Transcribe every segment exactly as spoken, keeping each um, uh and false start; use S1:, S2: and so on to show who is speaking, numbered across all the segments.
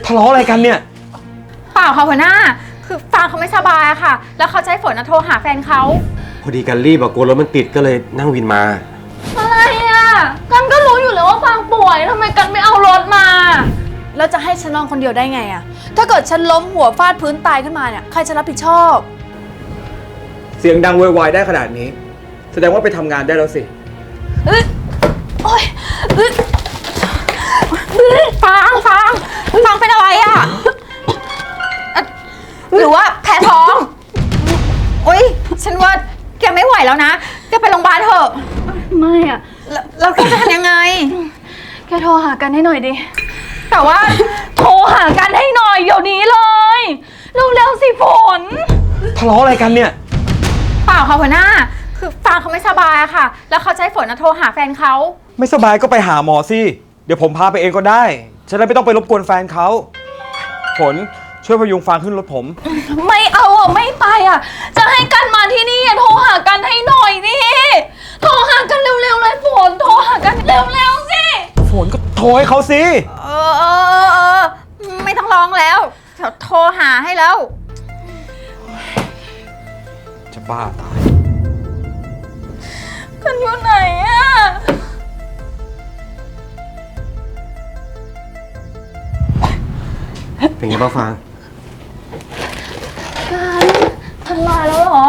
S1: ทะเลาะอะไรกันเนี่ย
S2: เปล่าค่ะหัวหน้าคือฟางเขาไม่สบายอะค่ะแล้วเขาใช้ฝนโทรหาแฟนเขา
S1: พอดีกันรีบอะกลัวรถมันติดก็เลยนั่งวินมา
S2: อะไรอะกันก็รู้อยู่แล้วว่าฟางป่วยทำไมกันไม่เอารถมา
S3: แล้วจะให้ฉันนอนคนเดียวได้ไงอะถ้าเกิดฉันล้มหัวฟาดพื้นตายขึ้นมาเนี่ยใครจะรับผิดชอบ
S4: เสียงดังโวยวายได้ขนาดนี้แสดงว่าไปทำงานได้แล้วสิ
S3: เอ้ยโอ๊ยเอ้ย
S2: ฟางฟางฟางเป็นอะไรอะหรือว่าแพ้ท้องโอ๊ยฉันว่าแกไม่ไหวแล้วนะแกไปโรงพยาบาลเถอะ
S3: ไม่อะ
S2: แล้วแกจะทำยังไง
S3: แกโทรหากันให้หน่อยดิ
S2: แต่ว่าโทรหากันให้หน่อยเดี๋ยวนี้เลยเร็วๆสิฝน
S1: ทะเลาะอะไรกันเนี่ย
S2: เปล่าค่ะหัวหน้าคือฟางเขาไม่สบายอะค่ะแล้วเขาใช้ฝนโทรหาแฟนเขา
S1: ไม่สบายก็ไปหาหมอสิเดี๋ยวผมพาไปเองก็ได้ฉันเลยไม่ต้องไปรบกวนแฟนเขาฝนช่วยพยุงฟางขึ้นรถผม
S3: ไม่เอาอ่ะไม่ไปอ่ะจะให้กันมาที่นี่โทรหากันให้หน่อยดิโทรหากันเร็วๆเลยฝนโทรหากันเร็วๆสิ
S1: ฝนก็โทรให้เขาสิ
S2: เออเออเออไม่ต้องร้องแล้วเดี๋ยวโทรหาให้แล้ว
S1: จะบ้าตาย
S3: กันอยู่ไหนอ่ะ
S1: เป็นไงบ้างฟาง
S3: กันทันลายแล้วเหรอ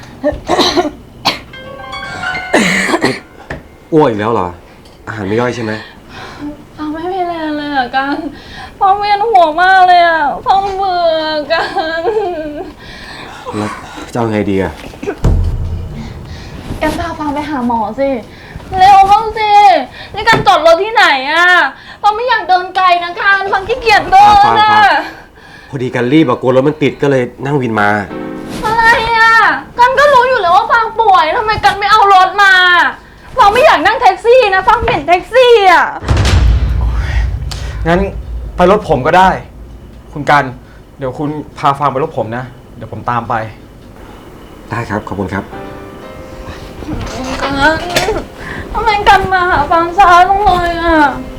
S1: อ้วกอีกแล้วเหรออาหารไม่ย่อยใช่ไหม
S3: ฟังไม่มีแรงเลยอ่ะกันฟังเวียนหัวมากเลยอ่ะฟังเบื่อกัน
S1: แล้วจะเอาไงดีอ่ะ
S3: แกพาฟังไปหาหมอสิเร็วเข้าสินี่การจอดรถที่ไหนอ่ะฟังไม่อยากเดินไกลนะกันฟังขี้เกียจเดินอ่ะ
S1: พอดีกันรีบอะกลัวรถมันติดก็เลยนั่งวินมา
S3: อะไรอ่ะกันก็รู้อยู่แล้วว่าฟังป่วยทำไมกันไม่เอารถมาฟังไม่อยากนั่งแท็กซี่นะฟังเห็นแท็กซี่อ่ะ
S1: งั้นไปรถผมก็ได้คุณกันเดี๋ยวคุณพาฟางไปรถผมนะเดี๋ยวผมตามไปได้ครับขอบคุณครับ
S3: กันทำไมกันมาหาฟังช้าจังเลยอ่ะ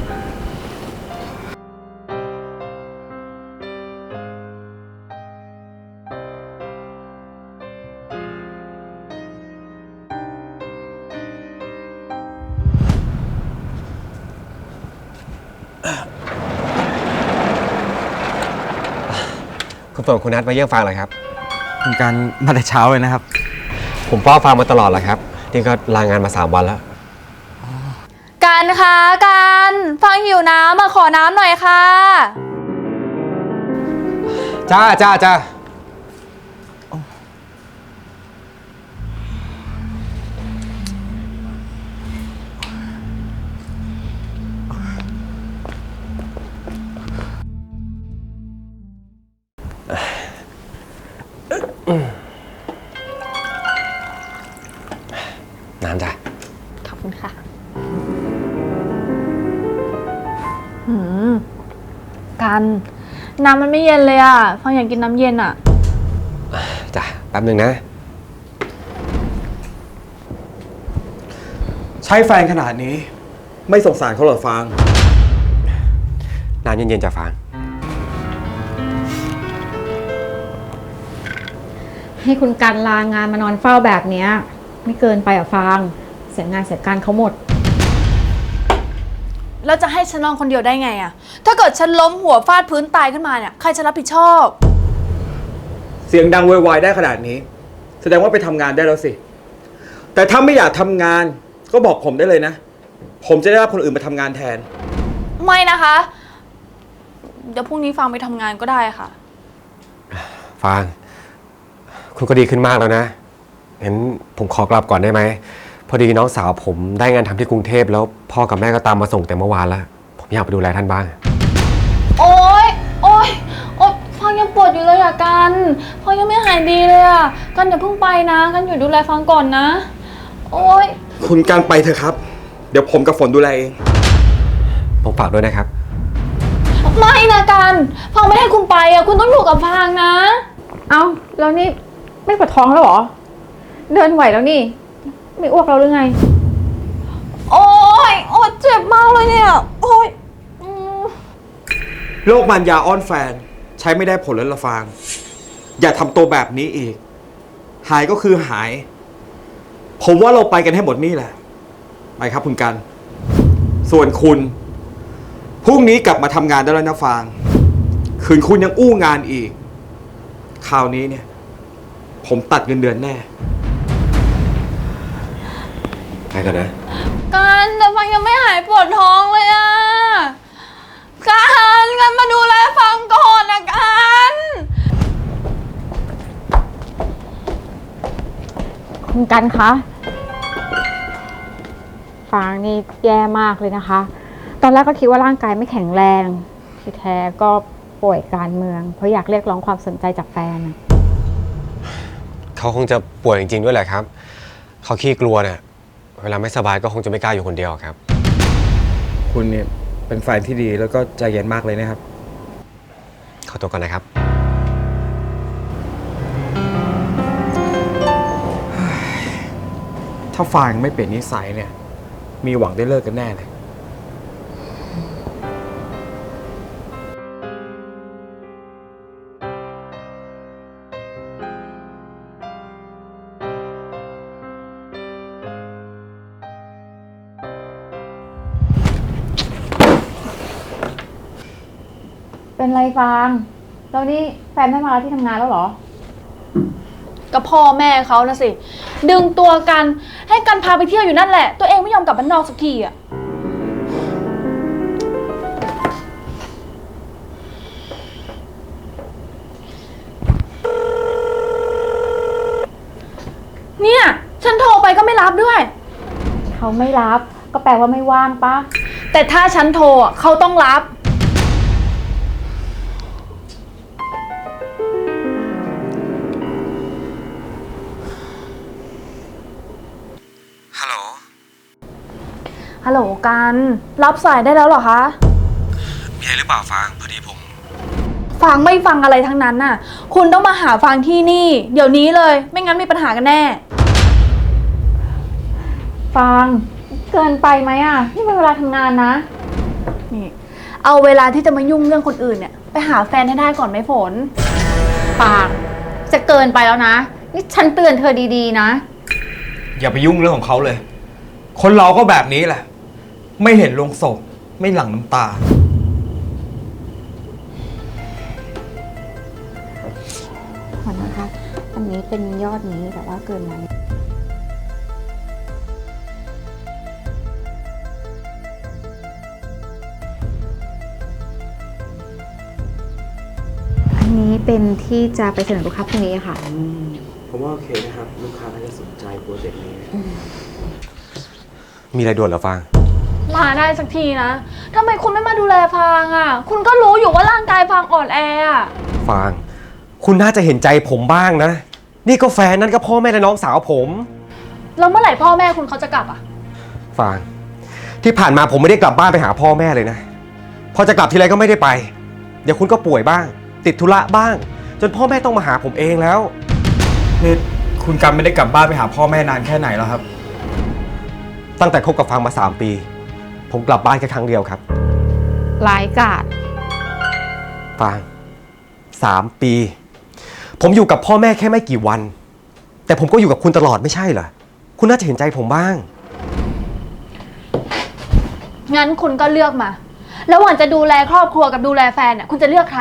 S1: คุณฝนคุณนัทมาเยี่ยมฟางเหรอครับคุณการมาแต่เช้าเลยนะครับผมเฝ้าฟางมาตลอดแหละครับนี่ก็ลางานมาสามวันแล้ว
S3: กันคะกันฟังหิวน้ำมาขอน้ำหน่อยค่ะ
S1: จ้าจ้าจ้าน้ำจ้ะ
S3: ขอบคุณค่ะหืมกันน้ำมันไม่เย็นเลยอ่ะฟังอยากกินน้ำเย็นอ่ะ
S1: จ้ะแป๊บหนึ่งนะใช้แฟนขนาดนี้ไม่สงสารเขาหรอฟางน้ำเย็นๆจ้ะฟาง
S2: ให้คุณกันลางานมานอนเฝ้าแบบนี้ไม่เกินไปอ่ะฟางเสียงานเสียการเขาหมด
S3: แล้วจะให้ฉันนอนคนเดียวได้ไงอะถ้าเกิดฉันล้มหัวฟาดพื้นตายขึ้นมาเนี่ยใครจะรับผิดชอบ
S4: เสียงดังโวยวายได้ขนาดนี้แสดงว่าไปทำงานได้แล้วสิแต่ถ้าไม่อยากทำงานก็บอกผมได้เลยนะผมจะได้รับคนอื่นมาทำงานแทน
S3: ไม่นะคะเดี๋ยวพรุ่งนี้ฟางไปทำงานก็ได้ค่ะ
S1: ฟางคุณก็ดีขึ้นมากแล้วนะงั้นผมขอกลับก่อนได้ไหมพอดีน้องสาวผมได้งานทำที่กรุงเทพแล้วพ่อกับแม่ก็ตามมาส่งแต่เมื่อวานแล้วผมอยากไปดูแลท่านบ้าง
S3: โอ๊ยโอ๊ยโอ๊ยฟังยังปวดอยู่เลยอะกันฟังยังไม่หายดีเลยอะกันอย่าเพิ่งไปนะกันอยู่ดูแลฟังก่อนนะโอ๊ย
S4: คุณการไปเถอะครับเดี๋ยวผมกับฝนดูแลเอง
S1: ผมฝากด้วยนะครับ
S3: ไม่นะกันฟังไม่ให้คุณไปอะคุณต้องอยู่กับฟังนะ
S2: เอ้าแล้วนี่ไม่ปวดท้องแล้วเหรอเดินไหวแล้วนี่ไม่อ้วกเราหรือไง
S3: โอ๊ยโอ๊ยเจ็บมากเลยเนี่ยโอ๊ย
S4: โรคมันยาอ้อนแฟน ใช้ไม่ได้ผลแล้วละฟาง อย่าทำตัวแบบนี้อีก หายก็คือหาย ผมว่าเราไปกันให้หมดนี่แหละ ไปครับคุณกัน ส่วนคุณ พรุ่งนี้กลับมาทำงานได้แล้วนะฟาง คืนคุณยังอู้งานอีก คราวนี้เนี่ย ผมตัดเงินเดือนแน่
S1: ไปก่อนนะ
S3: กันแต่ฟังยังไม่หายปวดท้องเลยอะกันกันมาดูแลฟังก่อนนะกัน
S2: คุณกันคะฟางนี่แย่มากเลยนะคะ ตอนแรกก็คิดว่าร่างกายไม่แข็งแรง ที่แท้ก็ป่วยการเมือง เพราะอยากเรียกร้องความสนใจจากแฟน
S1: เขาคงจะป่วยจริงๆด้วยแหละครับ เขาขี้กลัวเนี่ยเวลาไม่สบายก็คงจะไม่กล้าอยู่คนเดียวครับ
S4: คุณเนี่ยเป็นแฟนที่ดีแล้วก็ใจเย็นมากเลยนะครับ
S1: ขอตัวก่อนนะครับ
S4: ถ้าฟางไม่เปลี่ยนนิสัยเนี่ย มีหวังได้เลิกกันแน่เลย
S2: เป็นไรฟางแล้วนี่แฟนไม่มาที่ทำงานแล้วเหรอ
S3: ก็พ่อแม่เขานะสิ ดึงตัวกันให้กันพาไปเที่ยวอยู่นั่นแหละ ตัวเองไม่ยอมกลับบ้านนอกสักทีอะเนี่ย ฉันโทรไปก็ไม่รับด้วย
S2: เขาไม่รับก็แปลว่าไม่ว่างปะ
S3: แต่ถ้าฉันโทรอะเขาต้องรับ
S1: ฮัลโหล
S3: ฮัลโหลกัน รับสายได้แล้วเหรอคะ
S1: มีอะไรหรือเปล่าฟาง พอดีผม
S3: ฟังไม่ฟังอะไรทั้งนั้นน่ะ คุณต้องมาหาฟังที่นี่ เดี๋ยวนี้เลย ไม่งั้นมีปัญหากันแน่
S2: ฟางเกินไปไหมอ่ะนี่เป็นเวลาทำงานนะ
S3: นี่ เอาเวลาที่จะมายุ่งเรื่องคนอื่นเนี่ย ไปหาแฟนให้ได้ก่อนไหมฝน
S2: ฟางจะเกินไปแล้วนะ นี่ฉันเตือนเธอดีๆนะ
S4: อย่าไปยุ่งเรื่องของเขาเลย คนเราก็แบบนี้แหละ ไม่เห็นลงศพไม่หลั่งน้ำตา
S2: ขอนะคะ อันนี้เป็นยอดนี้แต่ว่าเกินมาอันนี้เป็นที่จะไปเสนอลูกค้าพรุ่งนี้ค่ะ
S4: ผมว่าโอเคนะครับ ลูกค้าน่าจะสนใจโปรเจกต์นี้
S1: มีอะไรด่วนเหรอฟาง
S3: มาได้สักทีนะทำไมคุณไม่มาดูแลฟางอ่ะ คุณก็รู้อยู่ว่าร่างกายฟางอ่อนแออ่ะ
S1: ฟาง คุณน่าจะเห็นใจผมบ้างนะ นี่ก็แฟนนั่นก็พ่อแม่และน้องสาวผม
S3: แล้วเมื่อไหร่พ่อแม่คุณเขาจะกลับอ่ะ
S1: ฟาง ที่ผ่านมาผมไม่ได้กลับบ้านไปหาพ่อแม่เลยนะ พอจะกลับทีไรก็ไม่ได้ไป เดี๋ยวคุณก็ป่วยบ้าง ติดธุระบ้าง จนพ่อแม่ต้องมาหาผมเองแล้ว
S4: นี่คุณกันไม่ได้กลับบ้านไปหาพ่อแม่นานแค่ไหนแล้วครับ
S1: ตั้งแต่คบกับฟางมาสามปี ผมกลับบ้านแค่ครั้งเดียวครับ
S2: รายกาด
S1: ฟางสามปี ผมอยู่กับพ่อแม่แค่ไม่กี่วัน แต่ผมก็อยู่กับคุณตลอดไม่ใช่เหรอ คุณน่าจะเห็นใจผมบ้าง
S3: งั้นคุณก็เลือกมา แล้วหว่างจะดูแลครอบครัวกับดูแลแฟนอ่ะ คุณจะเลือกใคร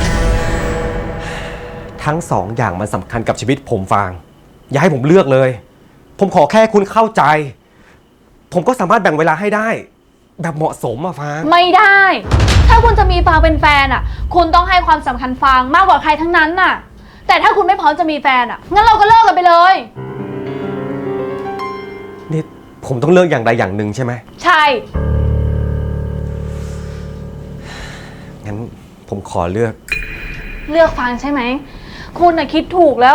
S1: ทั้งสองอย่างมันสำคัญกับชีวิตผมฟาง อย่าให้ผมเลือกเลย ผมขอแค่คุณเข้าใจ ผมก็สามารถแบ่งเวลาให้ได้ แบบเหมาะสมอะฟาง
S3: ไม่ได้ ถ้าคุณจะมีฟางเป็นแฟนอ่ะ คุณต้องให้ความสำคัญฟางมากกว่าใครทั้งนั้นน่ะ แต่ถ้าคุณไม่พร้อมจะมีแฟนอ่ะ งั้นเราก็เลิกกันไปเลย
S1: นี่ผมต้องเลือกอย่างใดอย่างหนึ่งใช่ไหม
S3: ใช่
S1: งั้นผมขอเลือก
S3: เลือกฟางใช่ไหม คุณน่ะคิดถูกแล้ว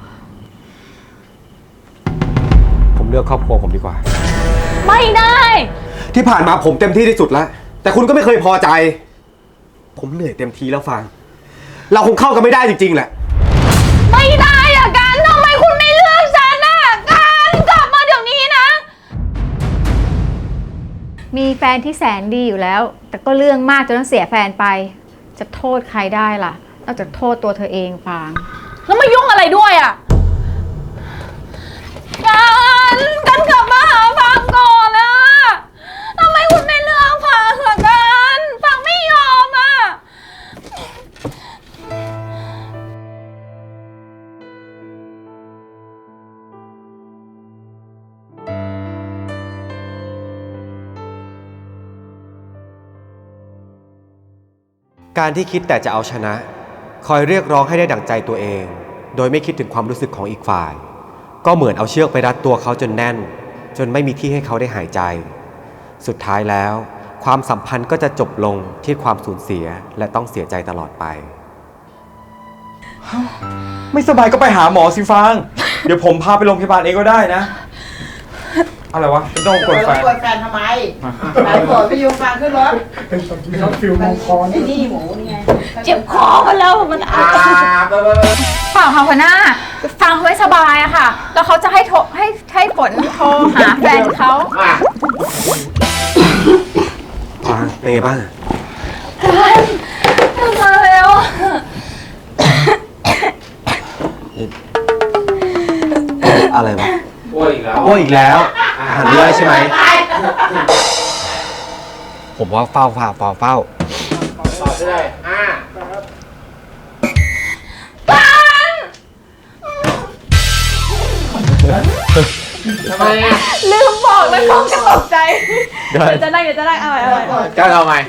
S1: ผมเลือกครอบครัวผมดีกว่า
S3: ไม่ได้
S1: ที่ผ่านมาผมเต็มที่ที่สุดแล้ว แต่คุณก็ไม่เคยพอใจ ผมเหนื่อยเต็มทีแล้วฟาง เราคงเข้ากันไม่ได้จริงๆแหละ
S3: ไม่ได้อะกันทำไมคุณไม่เลือกฉันอะกันกลับมาเดี๋ยวนี้นะ
S2: มีแฟนที่แสนดีอยู่แล้ว แต่ก็เรื่องมากจนต้องเสียแฟนไป ฉจะโทษใครได้ล่ะ นอกจากโทษตัวเธอเองฟาง
S3: แล้วมายุ่งอะไรด้วยอ่ะ กันกันกลับมาหาฟังก่อนนะทำไมคุณไม่เลือกฟังล่ะกันฟังไม่ยอมอ่ะ
S1: การที่คิดแต่จะเอาชนะ คอยเรียกร้องให้ได้ดั่งใจตัวเอง โดยไม่คิดถึงความรู้สึกของอีกฝ่าย ก็เหมือนเอาเชือกไปรัดตัวเขาจนแน่น จนไม่มีที่ให้เขาได้หายใจ สุดท้ายแล้ว ความสัมพันธ์ก็จะจบลงที่ความสูญเสียและต้องเสียใจตลอดไป
S4: ไม่สบายก็ไปหาหมอสิฟาง เดี๋ยวผมพาไปโรงพยาบาลเองก็ได้นะ อะไรวะไม่ต้องกดแฟน
S5: กดแฟนทำไมไหนกดไปยูฟังขึ้นรถรถฟิวมงคลไอ้นี่หมูนี่ไง
S3: เจ็บคอมาแล้วมันอั
S5: อ่า
S3: ด
S5: ไปไปไป
S2: เปล่าค่ะหัวหน้า ฟังเขาไม่สบายอะค่ะ แล้วเขาจะให้โทรให้ให้ฝนโทรหาแฟนเขา
S5: อ่ะ
S1: ฟางเป็นไงบ้าง
S3: มาแล้ว
S1: อะไรวะ
S5: โอ้ยอีกแล้ว
S1: โอ้ยอีกแล้วอาหารไม่ได้ใช่ไหม ผมว่าเฝ้าเฝ้าเฝ้าเฝ้า
S5: ต่อได้อ่า ทำไมอ่ะ
S3: ลืมบอกเลยเขาจะตกใจ
S1: เดี๋ยว
S3: จะนั่งเดี๋ยวจะนั่งเอาไว้เอาไว้
S5: ก็เอาไง